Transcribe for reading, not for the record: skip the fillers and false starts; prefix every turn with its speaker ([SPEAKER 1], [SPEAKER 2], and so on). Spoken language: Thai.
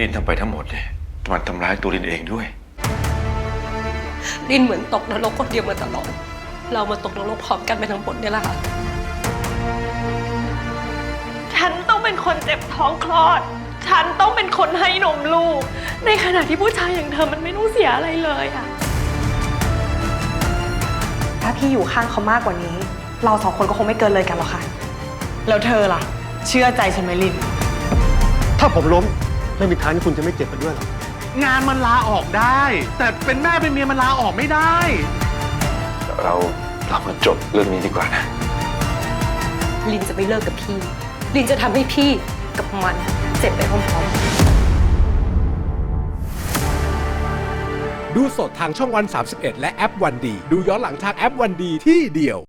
[SPEAKER 1] นทำไปทั้งหมดเนี่ยมันทำร้ายตัวลินเองด้วย
[SPEAKER 2] ลินเหมือนตกนรกคนเดียวมาตลอดเรามาตกนรกพร้อมกันไปทั้งหมดเนี่ยแหละค่ะฉันต้องเป็นคนเจ็บท้องคลอดฉันต้องเป็นคนให้นมลูกในขณะที่ผู้ชายอย่างเธอมันไม่ต้องเสียอะไรเลยอะ
[SPEAKER 3] ถ้าพี่อยู่ข้างเขามากกว่านี้เราสองคนก็คงไม่เกินเลยกันหรอกค่ะแล้วเธอล่ะเชื่อใจฉันไหมลิน
[SPEAKER 4] ถ้าผมล้มไม่มีทางที่คุณจะไม่เจ็บไปด้วยหรอก
[SPEAKER 5] งานมันลาออกได้ แต่เป็นแม่เป็นเมียมันลาออกไม่ได้
[SPEAKER 1] เรามาจบเรื่องนี้ดีกว่านะ
[SPEAKER 2] ลินจะไม่เลิกกับพี่ลินจะทำให้พี่กับมันเจ็บไปพร้อมๆ
[SPEAKER 6] ดูสดทางช่องวัน31และแอปวันดีดูย้อนหลังทางแอปวันดีที่เดียว